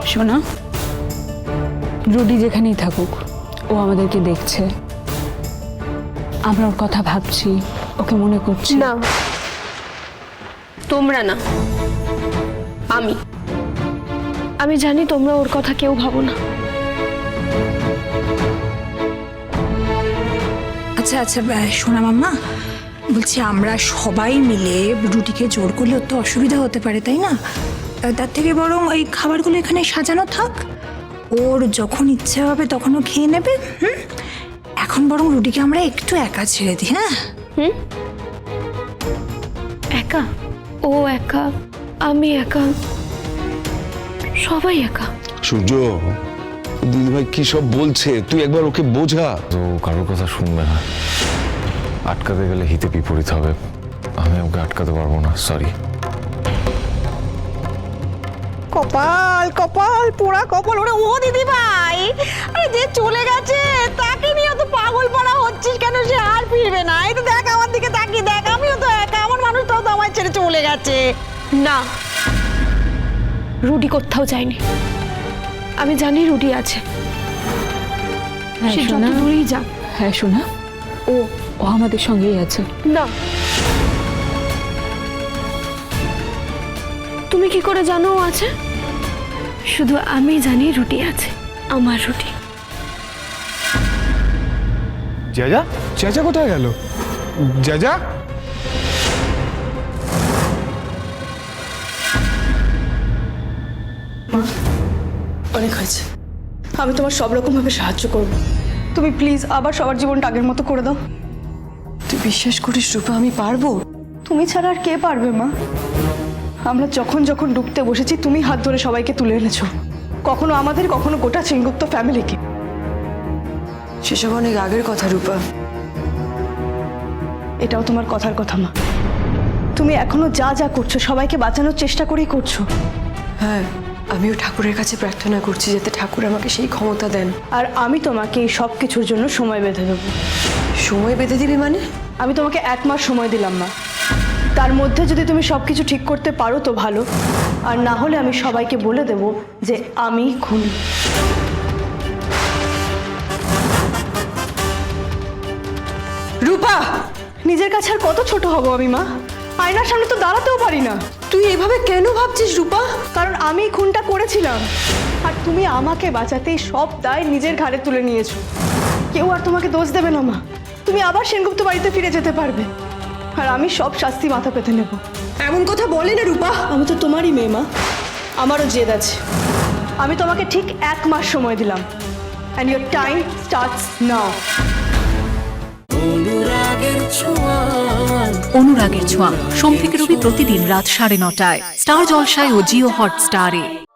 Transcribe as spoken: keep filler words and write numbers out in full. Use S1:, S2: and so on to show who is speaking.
S1: শোনা, রুডি যেখানেই থাকুক ও আমাদেরকে দেখছে, আমরা ওর কথা ভাবছি, ওকে মনে করছি।
S2: না, তোমরা না, আমি আমি জানি তোমরা ওর কথা কেউ ভাবো না।
S3: আচ্ছা আচ্ছা সোনা মাম্মা, বলছি আমরা সবাই মিলে রুটিকে জোর করলেও তো অসুবিধা হতে পারে, তাই না? তার থেকে বরং ওই খাবারগুলো এখানে সাজানো থাক, ওর যখন ইচ্ছে হবে তখন ও খেয়ে নেবে। হুম, এখন বরং রুটিকে আমরা একটু একা ছেড়ে দিই। হ্যাঁ,
S2: হুম, একা? ও একা, আমি একা, সবাই একা।
S4: সূর্য, দিদিভাই কি সব বলছে, তুই একবার ওকে বোঝা।
S5: তো কারোর কথা শুনবে না, আটকাতে গেলে হিতে বিপরীত হবে। আমি ওকে আটকাতে পারবো না, সরি।
S6: কপাল কপাল পোড়া কপাল। ওরে ও দিদি ভাই, আরে যে চলে গেছে তাকে নিয়ে তো পাগল পাড়া হচ্ছিস কেন? সে আর ফিরবে না। এই তো দেখ আমার দিকে তাকিয়ে দেখ, আমিও তো একা, আমার মানুষটাও তো আমার ছেড়ে চলে গেছে।
S2: না, রুডি কোথাও যায়নি। আমি জানি রুডি আছে,
S1: হ্যাঁ
S2: সে যত
S1: শোনা,
S2: দূরেই যাক।
S1: হ্যাঁ শোনা, ও ও আমাদের সঙ্গেই আছে।
S2: না, তুমি কি করে জানো ও আছে? শুধু আমি জানি রুটি আছে, আমার রুটি।
S7: জেজা, চেঁচা কোথায় গেল? জেজা,
S6: অনেক হয়েছে, আমি তোমার সব রকম ভাবে সাহায্য করব। তুমি প্লিজ আবার সবার জীবনটা আগের মতো করে দাও। তুই বিশ্বাস করিস রূপা আমি পারবো? তুমি ছাড়া আর কে পারবে মা? আমরা যখন যখন ডুবতে বসেছি তুমি হাত ধরে সবাইকে তুলে এনেছো, কখনো আমাদের, কখনো গোটা সেনগুপ্ত ফ্যামিলিকে। সেসব অনেক আগের কথা রূপা, এটাও তোমার কথার কথা মা। তুমি এখনো যা যা করছো সবাইকে বাঁচানোর চেষ্টা করেই করছো।
S8: হ্যাঁ, আমিও ঠাকুরের কাছে প্রার্থনা করছি যাতে ঠাকুর আমাকে সেই ক্ষমতা দেন।
S6: আর আমি তোমাকে এই সব কিছুর জন্য সময় বেঁধে দেবো।
S8: সময় বেঁধে দিবি মানে?
S6: আমি তোমাকে এক মাস সময় দিলাম মা, তার মধ্যে যদি তুমি সবকিছু ঠিক করতে পারো তো ভালো, আর না হলে আমি সবাইকে বলে দেব যে আমি খুনি। রূপা, নিজের কাছে আর কত ছোট হব আমি মা? আয়নার সামনে তো দাঁড়াতেও পারি না।
S8: তুই এভাবে কেন ভাবছিস রূপা?
S6: কারণ আমি খুনটা করেছিলাম, আর তুমি আমাকে বাঁচাতেই সব দায় নিজের ঘাড়ে তুলে নিয়েছো। কেউ আর তোমাকে দোষ দেবে না মা, তুমি আবার সেনগুপ্ত বাড়িতে ফিরে যেতে পারবে, আর আমি সব শাস্তি মাথা পেতে নেব।
S8: এমন কথা বলে না রূপা।
S6: আমি তো তোমারই মেয়ে মা, আমারও জেদ আছে। আমি তোমাকে ঠিক এক মাস সময় দিলাম, and your time starts now.
S9: অনুরাগের ছোঁয়া সোম থেকে রবি প্রতিদিন রাত সাড়ে নটায় স্টার জলসায় ও জিও হটস্টারে।